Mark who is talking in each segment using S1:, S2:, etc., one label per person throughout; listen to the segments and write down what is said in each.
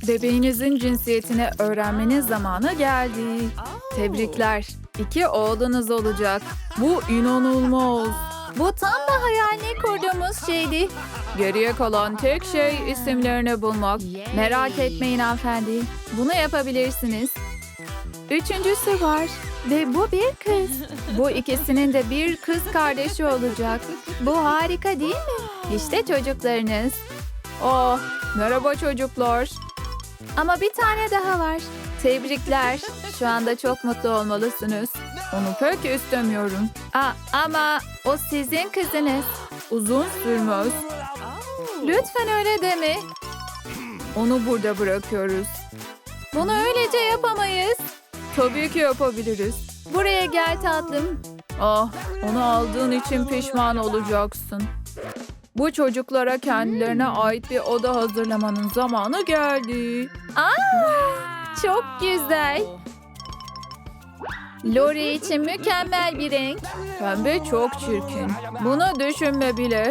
S1: Bebeğinizin cinsiyetini öğrenmenin zamanı geldi. Tebrikler. 2 oğlunuz olacak. Bu inanılmaz. Bu tam da hayalini kurduğumuz şeydi. Geriye kalan tek şey isimlerini bulmak. Merak etmeyin hanımefendi. Bunu yapabilirsiniz. 3.'sü var. Ve bu bir kız. Bu ikisinin de bir kız kardeşi olacak. Bu harika değil mi? İşte çocuklarınız. Oh, merhaba çocuklar. Ama bir tane daha var. Tebrikler. Şu anda çok mutlu olmalısınız. Onu pek istemiyorum. Ama o sizin kızınız. Uzun sürmez. Lütfen öyle deme. Onu burada bırakıyoruz. Bunu öylece yapamayız. Tabii ki yapabiliriz. Buraya gel tatlım. Ah, onu aldığın için pişman olacaksın. Bu çocuklara kendilerine ait bir oda hazırlamanın zamanı geldi. Çok güzel. Lori için mükemmel bir renk. Pembe çok çirkin. Bunu düşünme bile.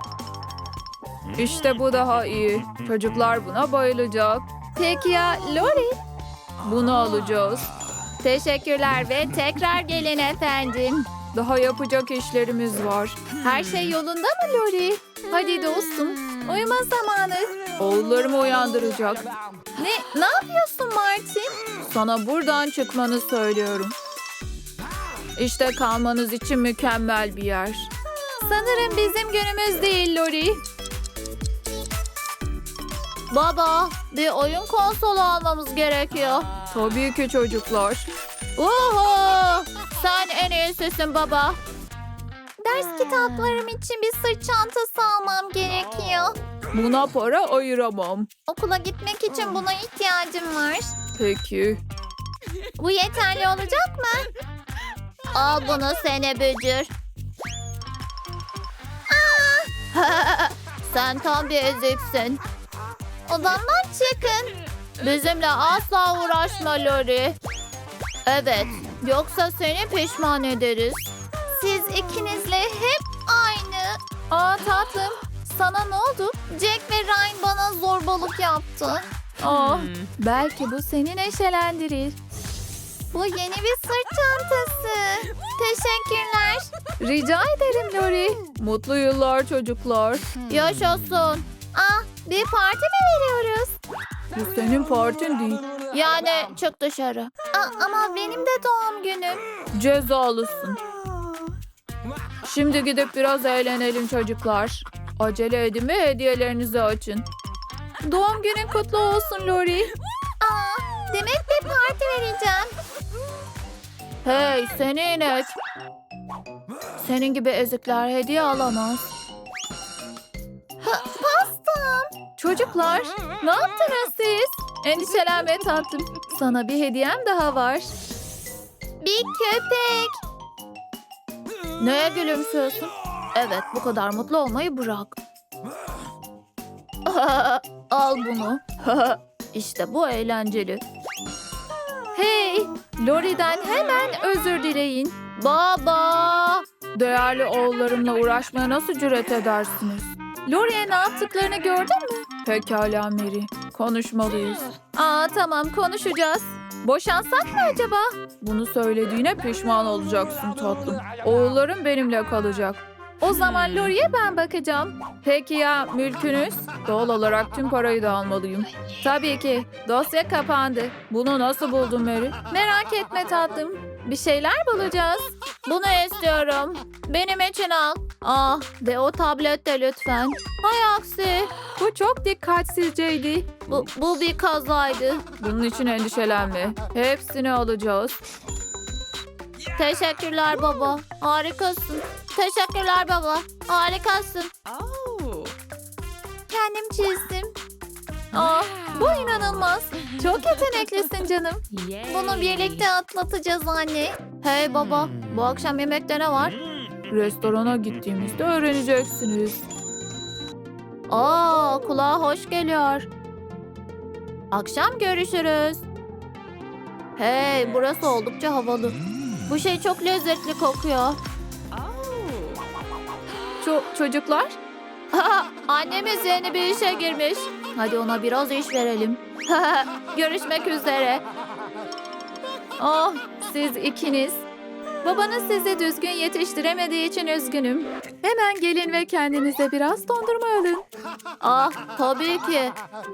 S1: İşte bu daha iyi. Çocuklar buna bayılacak. Peki ya Lori? Bunu alacağız. Teşekkürler ve tekrar gelin efendim. Daha yapacak işlerimiz var. Her şey yolunda mı Lori? Hadi dostum, uyuma zamanı. Oğullarımı uyandıracak. Ne yapıyorsun Martin? Sana buradan çıkmanı söylüyorum. İşte kalmanız için mükemmel bir yer. Sanırım bizim günümüz değil Lori. Baba, bir oyun konsolu almamız gerekiyor. Tabii ki çocuklar. Oho! Sen en iyisisin baba. Ders kitaplarım için bir sırt çantası almam gerekiyor. Buna para ayıramam. Okula gitmek için buna ihtiyacım var. Peki. Bu yeterli olacak mı? Al bunu sene bücür. Sen tam bir eziksin. Odamdan çıkın. Bizimle asla uğraşma Lori. Evet, yoksa seni pişman ederiz. Siz ikinizle hep aynı. Tatlım, sana ne oldu? Jack ve Ryan bana zorbalık yaptı. Belki bu seni neşelendirir. Bu yeni bir sırt çantası. Teşekkürler. Rica ederim Lori. Mutlu yıllar çocuklar. Yaşasın. Bir parti mi veriyoruz? Bu senin partin değil. Yani çık dışarı. Ama benim de doğum günüm. Cezalısın. Şimdi gidip biraz eğlenelim çocuklar. Acele edin ve hediyelerinizi açın. Doğum günün kutlu olsun Lori. Demek bir parti vereceğim. Hey seni inek. Senin gibi ezikler hediye alamaz. Pastam. Çocuklar ne yaptınız siz? Endişelenme tatlım. Sana bir hediyem daha var. Bir köpek. Neye gülümsüyorsun? Evet, bu kadar mutlu olmayı bırak. Al bunu. İşte bu eğlenceli. Hey, Lori'den hemen özür dileyin. Baba! Değerli oğullarımla uğraşmaya nasıl cüret edersiniz? Lori'ye ne yaptıklarını gördün mü? Pekala Mary, konuşmalıyız. Tamam, konuşacağız. Boşansak mı acaba? Bunu söylediğine pişman olacaksın tatlım. Oğullarım benimle kalacak. O zaman Lori'ye ben bakacağım. Peki ya mülkünüz? Doğal olarak tüm parayı da almalıyım. Tabii ki. Dosya kapandı. Bunu nasıl buldun Mary? Merak etme tatlım. Bir şeyler bulacağız. Bunu istiyorum. Benim için al. Ve o tablet de lütfen. Hay aksi. Bu çok dikkatsizceydi. Bu bir kazaydı. Bunun için endişelenme. Hepsini alacağız. Teşekkürler baba. Harikasın. Teşekkürler baba. Harikasın. Kendim çizdim. Bu inanılmaz. Çok yeteneklisin canım. Bunu birlikte atlatacağız anne. Hey baba, bu akşam yemekte ne var? Restorana gittiğimizde öğreneceksiniz. Kulağa hoş geliyor. Akşam görüşürüz. Hey, burası oldukça havalı. Bu şey çok lezzetli kokuyor. Çocuklar? Annemiz yeni bir işe girmiş. Hadi ona biraz iş verelim. Görüşmek üzere. Oh, siz ikiniz. Babanız sizi düzgün yetiştiremediği için üzgünüm. Hemen gelin ve kendinize biraz dondurma alın. Ah, tabii ki.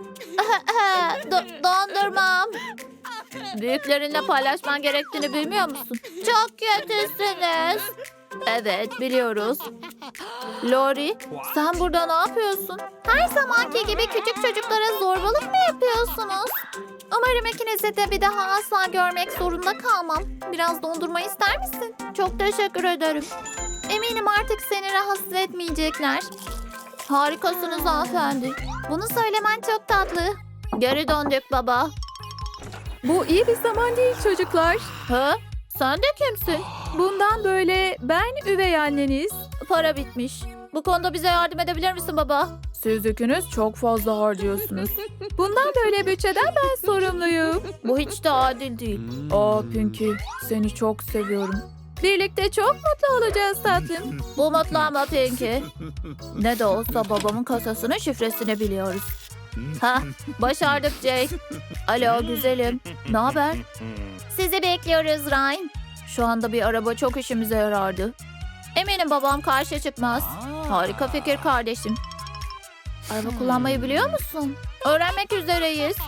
S1: Dondurmam. Büyüklerinle paylaşman gerektiğini bilmiyor musun? Çok kötüsünüz. Evet, biliyoruz. Lori, sen burada ne yapıyorsun? Her zamanki gibi küçük çocuklara zorbalık mı yapıyorsunuz? Umarım ikinizi de bir daha asla görmek zorunda kalmam. Biraz dondurma ister misin? Çok teşekkür ederim. Eminim artık seni rahatsız etmeyecekler. Harikasınız hanımefendi. Bunu söylemen çok tatlı. Geri döndük baba. Bu iyi bir zaman değil çocuklar. Ha? Sen de kimsin? Bundan böyle ben üvey anneniz. Para bitmiş. Bu konuda bize yardım edebilir misin baba? Siz ikiniz çok fazla harcıyorsunuz. Bundan böyle bütçeden ben sorumluyum. Bu hiç de adil değil. Aa Pinky, seni çok seviyorum. Birlikte çok mutlu olacağız tatlım. Bu mutlu ama Pinky. Ne de olsa babamın kasasının şifresini biliyoruz. Ha, başardık Jake. Alo güzelim. Ne haber? Sizi bekliyoruz Ryan. Şu anda bir araba çok işimize yarardı. Eminim babam karşı çıkmaz. Harika fikir kardeşim. Araba kullanmayı biliyor musun? Öğrenmek üzereyiz.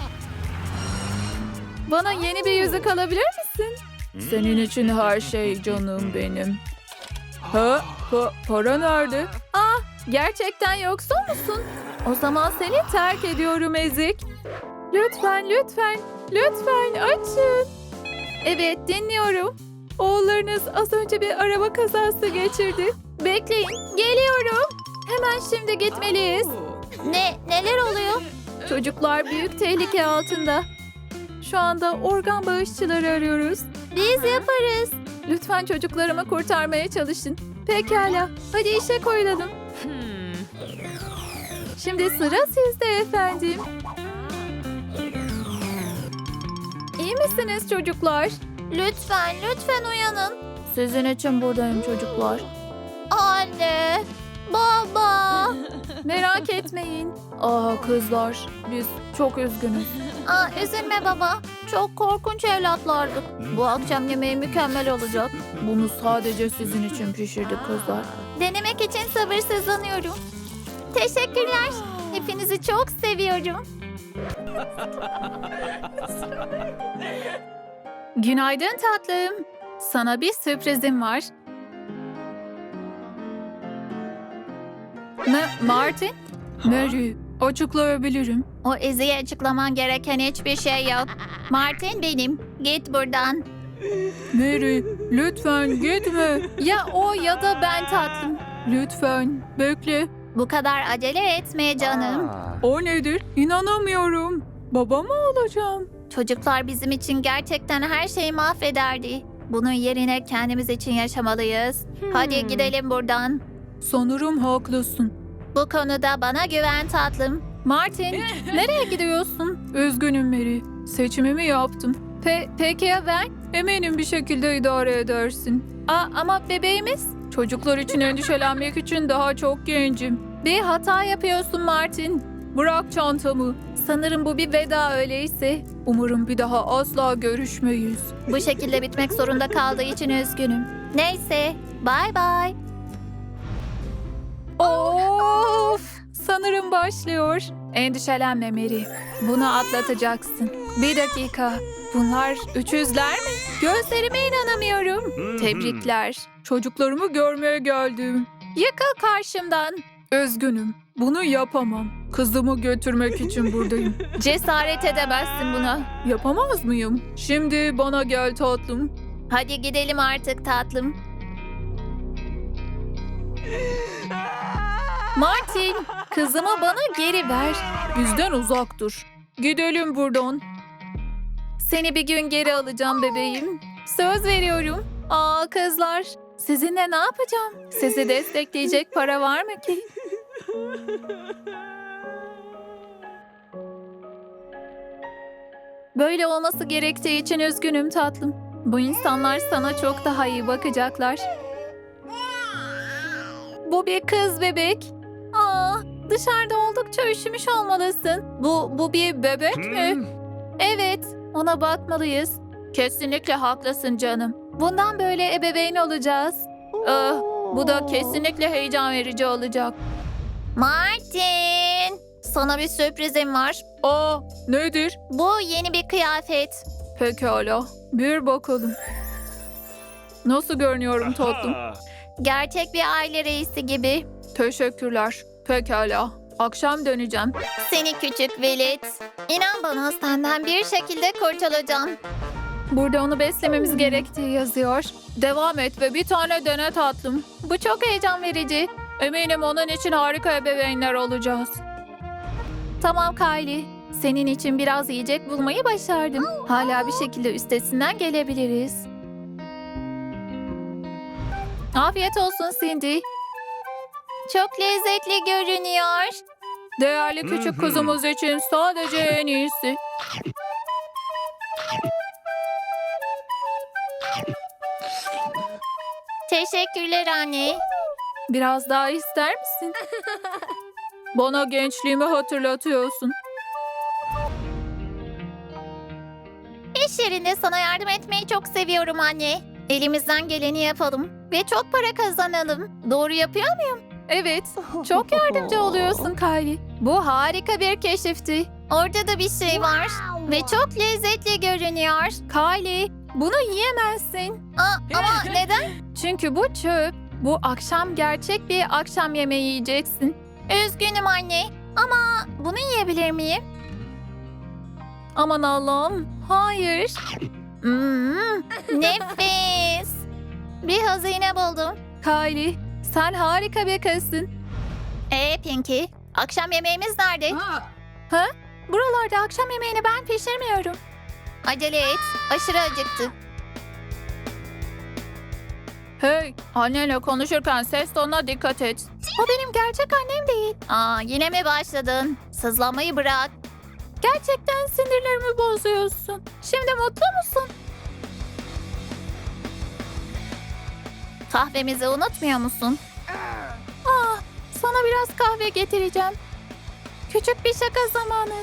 S1: Bana yeni bir yüzük alabilir misin? Senin için her şey canım benim. Para nerede? Ah, gerçekten yoksul musun? O zaman seni terk ediyorum ezik. Lütfen, lütfen, lütfen açın. Evet, dinliyorum. Oğullarınız az önce bir araba kazası geçirdi. Bekleyin, geliyorum. Hemen şimdi gitmeliyiz. Neler oluyor? Çocuklar büyük tehlike altında. Şu anda organ bağışçıları arıyoruz. Biz yaparız. Lütfen çocuklarımı kurtarmaya çalışın. Pekala, hadi işe koyulalım. Şimdi sıra sizde efendim. İyi misiniz çocuklar? Lütfen, lütfen uyanın. Sizin için buradayım çocuklar. Anne, baba. Merak etmeyin. Kızlar, biz çok üzgünüz. Üzülme baba. Çok korkunç evlatlardık. Bu akşam yemeği mükemmel olacak. Bunu sadece sizin için pişirdik kızlar. Denemek için sabırsızlanıyorum. Teşekkürler. Hepinizi çok seviyorum. Günaydın tatlım. Sana bir sürprizim var. Martin? Mary, açıklayabilirim. O Ezi'ye açıklaman gereken hiçbir şey yok. Martin benim. Git buradan. Mary, lütfen gitme. Ya o ya da ben tatlım. Lütfen, bekle. Bu kadar acele etme canım. O nedir? İnanamıyorum. Baba mı olacağım? Çocuklar bizim için gerçekten her şeyi mahvederdi. Bunun yerine kendimiz için yaşamalıyız. Hadi gidelim buradan. Sanırım haklısın. Bu konuda bana güven tatlım. Martin, nereye gidiyorsun? Üzgünüm Mary. Seçimimi yaptım. Peki ya ben? Eminim bir şekilde idare edersin. Ama bebeğimiz? Çocuklar için endişelenmek için daha çok gencim. Bir hata yapıyorsun Martin. Bırak çantamı. Sanırım bu bir veda öyleyse. Umarım bir daha asla görüşmeyiz. Bu şekilde bitmek zorunda kaldığı için üzgünüm. Neyse, bye bye. Of! Sanırım başlıyor. Endişelenme Mary. Bunu atlatacaksın. Bir dakika. Bunlar üçüzler mi? Gözlerime inanamıyorum. Tebrikler. Çocuklarımı görmeye geldim. Yıkıl karşımdan. Üzgünüm. Bunu yapamam. Kızımı götürmek için buradayım. Cesaret edemezsin buna. Yapamaz mıyım? Şimdi bana gel tatlım. Hadi gidelim artık tatlım. Martin, kızımı bana geri ver. Bizden uzak dur. Gidelim buradan. Seni bir gün geri alacağım bebeğim. Söz veriyorum. Kızlar, sizinle ne yapacağım? Sizi destekleyecek para var mı ki? Böyle olması gerektiği için üzgünüm tatlım. Bu insanlar sana çok daha iyi bakacaklar. Bu bir kız bebek. Dışarıda oldukça üşümüş olmalısın. Bu bir bebek mi? Evet, ona bakmalıyız. Kesinlikle haklısın canım. Bundan böyle ebeveyn olacağız. Ah, bu da kesinlikle heyecan verici olacak.
S2: Martin, sana bir sürprizim var.
S1: Aa, nedir?
S2: Bu yeni bir kıyafet.
S1: Pekala, bir bakalım. Nasıl görünüyorum tatlım?
S2: Gerçek bir aile reisi gibi.
S1: Teşekkürler. Pekala, akşam döneceğim.
S2: Seni küçük velet. İnan bana senden bir şekilde kurtulacağım.
S1: Burada onu beslememiz gerektiği yazıyor. Devam et ve bir tane dene tatlım. Bu çok heyecan verici. Eminim onun için harika ebeveynler olacağız. Tamam Kylie. Senin için biraz yiyecek bulmayı başardım. Hala bir şekilde üstesinden gelebiliriz. Afiyet olsun Cindy.
S2: Çok lezzetli görünüyor.
S1: Değerli küçük kızımız için sadece en iyisi.
S2: Teşekkürler anne.
S1: Biraz daha ister misin? Bana gençliğimi hatırlatıyorsun.
S2: İş yerinde sana yardım etmeyi çok seviyorum anne. Elimizden geleni yapalım ve çok para kazanalım. Doğru yapıyor muyum?
S1: Evet, çok yardımcı oluyorsun Kylie. Bu harika bir keşifti.
S2: Orada da bir şey var ve çok lezzetli görünüyor.
S1: Kylie, bunu yiyemezsin.
S2: Ama neden?
S1: Çünkü bu çöp. Bu akşam gerçek bir akşam yemeği yiyeceksin.
S2: Üzgünüm anne ama bunu yiyebilir miyim?
S1: Aman Allah'ım, hayır.
S2: Nefis. Bir hazine buldum.
S1: Kylie, sen harika bir kızsın.
S2: Pinky, akşam yemeğimiz nerede?
S1: Buralarda akşam yemeğini ben pişirmiyorum.
S2: Acele et, aşırı acıktı.
S1: Hey, annenle konuşurken ses tonuna dikkat et.
S2: O benim gerçek annem değil. Yine mi başladın? Sızlamayı bırak.
S1: Gerçekten sinirlerimi bozuyorsun. Şimdi mutlu musun?
S2: Kahvemizi unutmuyor musun?
S1: Sana biraz kahve getireceğim. Küçük bir şaka zamanı.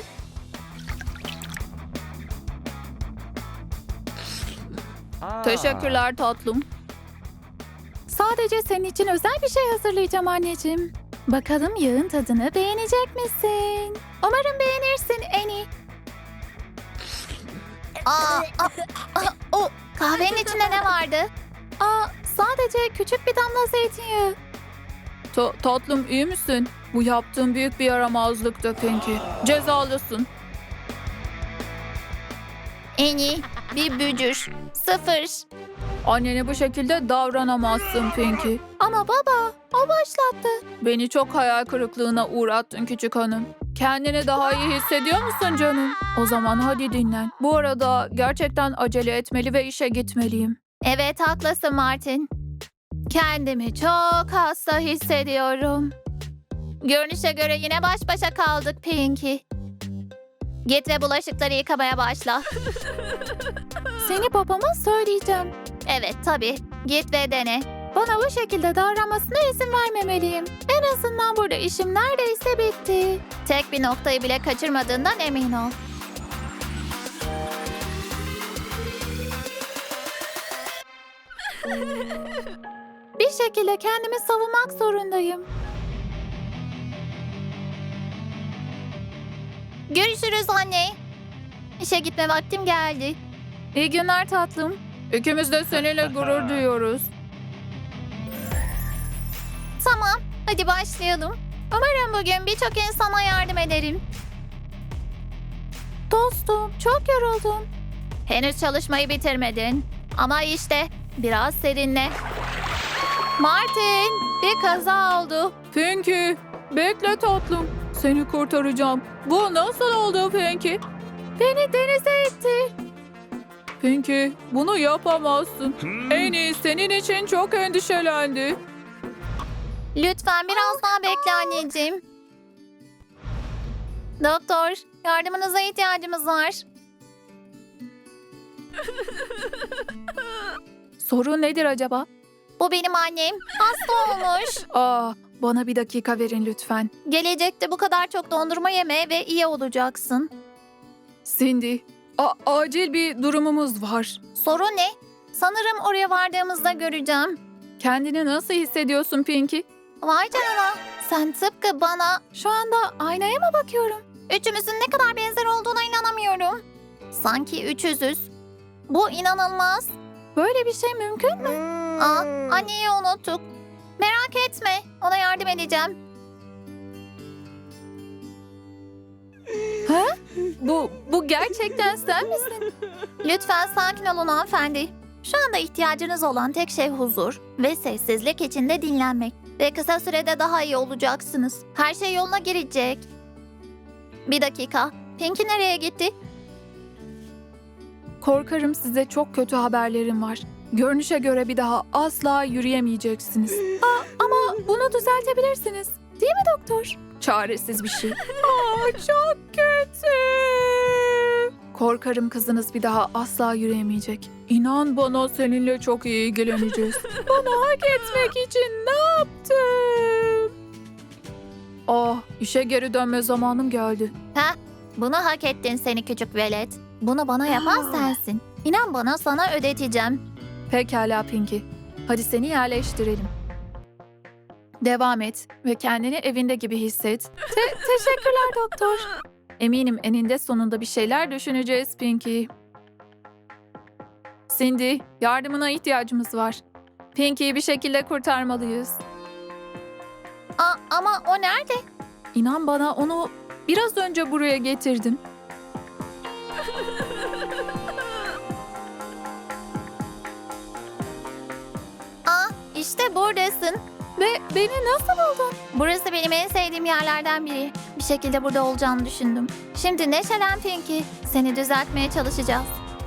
S1: Teşekkürler tatlım. Sadece senin için özel bir şey hazırlayacağım anneciğim. Bakalım yağın tadını beğenecek misin? Umarım beğenirsin Annie.
S2: Kahvenin içinde ne vardı?
S1: Sadece küçük bir damla zeytinyağı. Tatlım iyi misin? Bu yaptığın büyük bir yaramazlıktı Pinky. Cezalısın.
S2: En bir bücür. 0.
S1: Annene bu şekilde davranamazsın Pinky. Ama baba, o başlattı. Beni çok hayal kırıklığına uğrattın küçük hanım. Kendini daha iyi hissediyor musun canım? O zaman hadi dinlen. Bu arada gerçekten acele etmeli ve işe gitmeliyim.
S2: Evet haklısın Martin.
S1: Kendimi çok hasta hissediyorum.
S2: Görünüşe göre yine baş başa kaldık Pinky. Git ve bulaşıkları yıkamaya başla.
S1: Seni babama söyleyeceğim.
S2: Evet tabii. Git ve dene.
S1: Bana bu şekilde davranmasına izin vermemeliyim. En azından burada işim neredeyse bitti.
S2: Tek bir noktayı bile kaçırmadığından emin ol.
S1: Bir şekilde kendimi savunmak zorundayım.
S2: Görüşürüz anne. İşe gitme vaktim geldi.
S1: İyi günler tatlım. İkimiz de seninle gurur duyuyoruz.
S2: Tamam, hadi başlayalım. Umarım bugün birçok insana yardım ederim.
S1: Dostum, çok yoruldum.
S2: Henüz çalışmayı bitirmedin. Ama işte biraz serinle. Martin, bir kaza oldu.
S1: Pinky, bekle tatlım. Seni kurtaracağım. Bu nasıl oldu Pinky? Beni denize itti. Pinky, bunu yapamazsın. En iyi senin için çok endişelendi.
S2: Lütfen biraz daha bekle anneciğim. Doktor, yardımınıza ihtiyacımız var.
S1: Sorun nedir acaba?
S2: Bu benim annem. Hasta olmuş.
S1: bana bir dakika verin lütfen.
S2: Gelecekte bu kadar çok dondurma yeme ve iyi olacaksın.
S1: Cindy, acil bir durumumuz var.
S2: Sorun ne? Sanırım oraya vardığımızda göreceğim.
S1: Kendini nasıl hissediyorsun Pinky?
S2: Vay canına. Sen tıpkı bana.
S1: Şu anda aynaya mı bakıyorum?
S2: Üçümüzün ne kadar benzer olduğuna inanamıyorum. Sanki üçüzüz. Bu inanılmaz.
S1: Böyle bir şey mümkün mü?
S2: Anneyi unuttuk. Merak etme. Ona yardım edeceğim.
S1: Bu gerçekten sen misin?
S2: Lütfen sakin olun hanımefendi. Şu anda ihtiyacınız olan tek şey huzur ve sessizlik içinde dinlenmek. Ve kısa sürede daha iyi olacaksınız. Her şey yoluna girecek. Bir dakika. Pinky nereye gitti?
S1: Korkarım size çok kötü haberlerim var. Görünüşe göre bir daha asla yürüyemeyeceksiniz. Ama bunu düzeltebilirsiniz. Değil mi doktor? Çaresiz bir şey. Çok kötü. Korkarım kızınız bir daha asla yürüyemeyecek. İnan bana seninle çok iyi ilgileneceğiz. Bana hak etmek için ne yaptım? İşe geri dönme zamanım geldi.
S2: Bunu hak ettin seni küçük velet. Bunu bana yapan sensin. İnan bana sana ödeteceğim.
S1: Pekala Pinky. Hadi seni yerleştirelim. Devam et ve kendini evinde gibi hisset. Teşekkürler doktor. Eminim eninde sonunda bir şeyler düşüneceğiz Pinky. Cindy, yardımına ihtiyacımız var. Pinky'yi bir şekilde kurtarmalıyız.
S2: Ama o nerede?
S1: İnan bana onu biraz önce buraya getirdim.
S2: İşte buradasın.
S1: Ve beni nasıl buldun?
S2: Burası benim en sevdiğim yerlerden biri. Bir şekilde burada olacağını düşündüm. Şimdi neşelen Pinky. Seni düzeltmeye çalışacağız.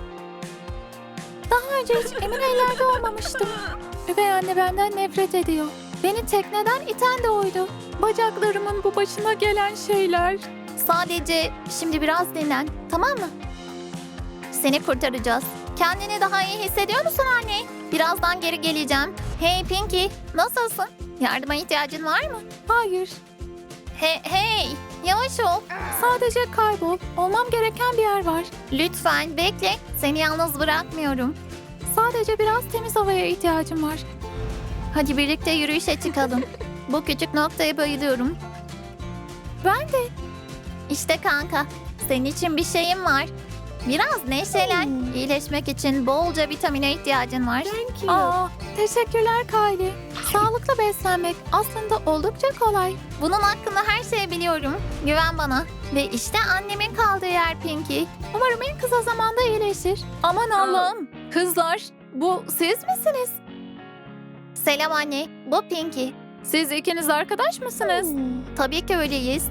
S1: Daha önce hiç emin ellerde olmamıştım. Üvey anne benden nefret ediyor. Beni tekneden iten de oydu. Bacaklarımın bu başına gelen şeyler.
S2: Sadece şimdi biraz dinlen, tamam mı? Seni kurtaracağız. Kendini daha iyi hissediyor musun anne? Birazdan geri geleceğim. Hey Pinky, nasılsın? Yardıma ihtiyacın var mı?
S1: Hayır,
S2: Hey, yavaş ol.
S1: sadece kaybol. Olmam gereken bir yer var.
S2: Lütfen bekle, seni yalnız bırakmıyorum.
S1: Sadece biraz temiz havaya ihtiyacım var.
S2: Hadi birlikte yürüyüşe çıkalım. Bu küçük noktaya bayılıyorum.
S1: Ben de.
S2: İşte kanka, senin için bir şeyim var. Biraz neşelen. İyileşmek için bolca vitamine ihtiyacın var.
S1: Teşekkürler Kylie. Sağlıklı beslenmek aslında oldukça kolay.
S2: Bunun hakkında her şeyi biliyorum. Güven bana. Ve işte annemin kaldığı yer Pinky.
S1: Umarım en kısa zamanda iyileşir. Aman Allah'ım. Kızlar, bu siz misiniz?
S2: Selam anne, bu Pinky.
S1: Siz ikiniz arkadaş mısınız?
S2: Tabii ki öyleyiz.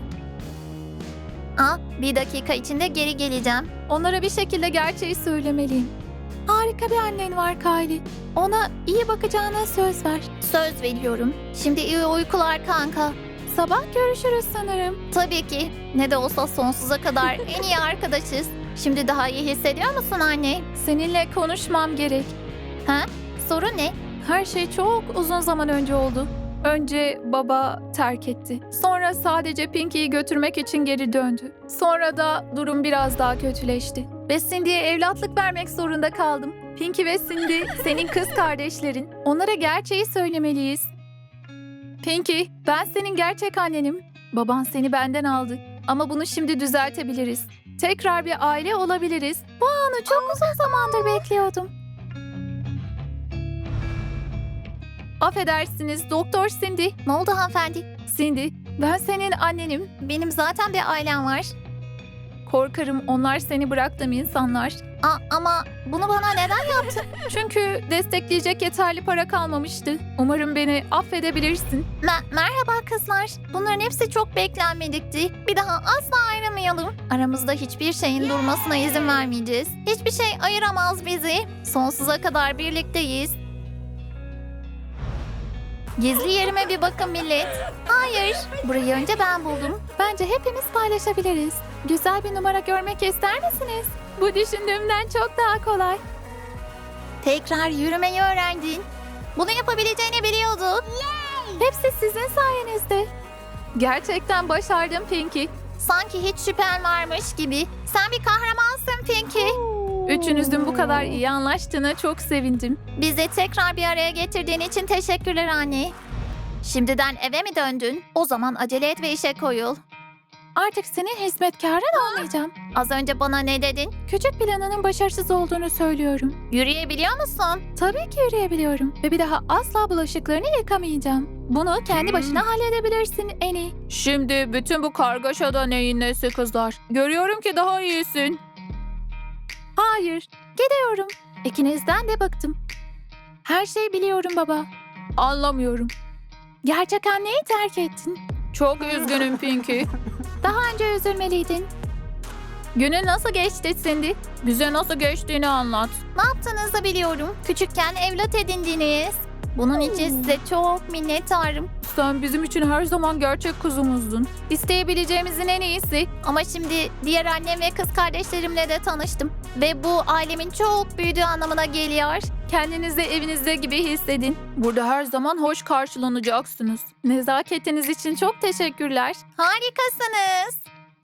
S2: Bir dakika içinde geri geleceğim.
S1: Onlara bir şekilde gerçeği söylemeliyim. Harika bir annen var Kylie. Ona iyi bakacağına söz ver.
S2: Söz veriyorum. Şimdi iyi uykular kanka.
S1: Sabah görüşürüz sanırım.
S2: Tabii ki. Ne de olsa sonsuza kadar en iyi arkadaşız. Şimdi daha iyi hissediyor musun anne?
S1: Seninle konuşmam gerek.
S2: Sorun ne?
S1: Her şey çok uzun zaman önce oldu. Önce baba terk etti. Sonra sadece Pinky'yi götürmek için geri döndü. Sonra da durum biraz daha kötüleşti. Ve Cindy'ye evlatlık vermek zorunda kaldım. Pinky ve Cindy senin kız kardeşlerin. Onlara gerçeği söylemeliyiz. Pinky, ben senin gerçek annenim. Baban seni benden aldı. Ama bunu şimdi düzeltebiliriz. Tekrar bir aile olabiliriz. Bu anı çok uzun zamandır bekliyordum. Affedersiniz Doktor Cindy.
S2: Ne oldu hanımefendi?
S1: Cindy, ben senin annenim.
S2: Benim zaten bir ailem var.
S1: Korkarım onlar seni bıraktığım insanlar.
S2: Ama bunu bana neden yaptın?
S1: Çünkü destekleyecek yeterli para kalmamıştı. Umarım beni affedebilirsin.
S2: Merhaba kızlar. Bunların hepsi çok beklenmedikti. Bir daha asla ayrılmayalım. Aramızda hiçbir şeyin durmasına izin vermeyeceğiz. Hiçbir şey ayıramaz bizi. Sonsuza kadar birlikteyiz. Gizli yerime bir bakın millet. Hayır, burayı önce ben buldum.
S1: Bence hepimiz paylaşabiliriz. Güzel bir numara görmek ister misiniz? Bu düşündüğümden çok daha kolay.
S2: Tekrar yürümeyi öğrendin. Bunu yapabileceğini biliyorduk.
S1: Hepsi sizin sayenizde. Gerçekten başardım Pinky.
S2: Sanki hiç şüphen varmış gibi. Sen bir kahramansın Pinky.
S1: Üçünüzün bu kadar iyi anlaştığına çok sevindim.
S2: Bizi tekrar bir araya getirdiğin için teşekkürler anne. Şimdiden eve mi döndün? O zaman acele et ve işe koyul.
S1: Artık senin hizmetkarın olmayacağım.
S2: Az önce bana ne dedin?
S1: Küçük planının başarısız olduğunu söylüyorum.
S2: Yürüyebiliyor musun?
S1: Tabii ki yürüyebiliyorum ve bir daha asla bulaşıklarını yıkamayacağım. Bunu kendi başına halledebilirsin Eni. Şimdi bütün bu kargaşada neyin nesi kızlar? Görüyorum ki daha iyisin. Hayır, gidiyorum. İkinizden de bıktım. Her şeyi biliyorum baba. Anlamıyorum. Gerçek anneyi terk ettin. Çok üzgünüm Pinky. Daha önce üzülmeliydin. Günün nasıl geçti Cindy? Bize nasıl geçtiğini anlat.
S2: Ne yaptığınızı biliyorum. Küçükken evlat edindiniz. Bunun için size çok minnettarım.
S1: Sen bizim için her zaman gerçek kuzumuzdun. İsteyebileceğimizin en iyisi.
S2: Ama şimdi diğer annem ve kız kardeşlerimle de tanıştım. Ve bu ailemin çok büyüdüğü anlamına geliyor.
S1: Kendinizi evinizde gibi hissedin. Burada her zaman hoş karşılanacaksınız. Nezaketiniz için çok teşekkürler.
S2: Harikasınız.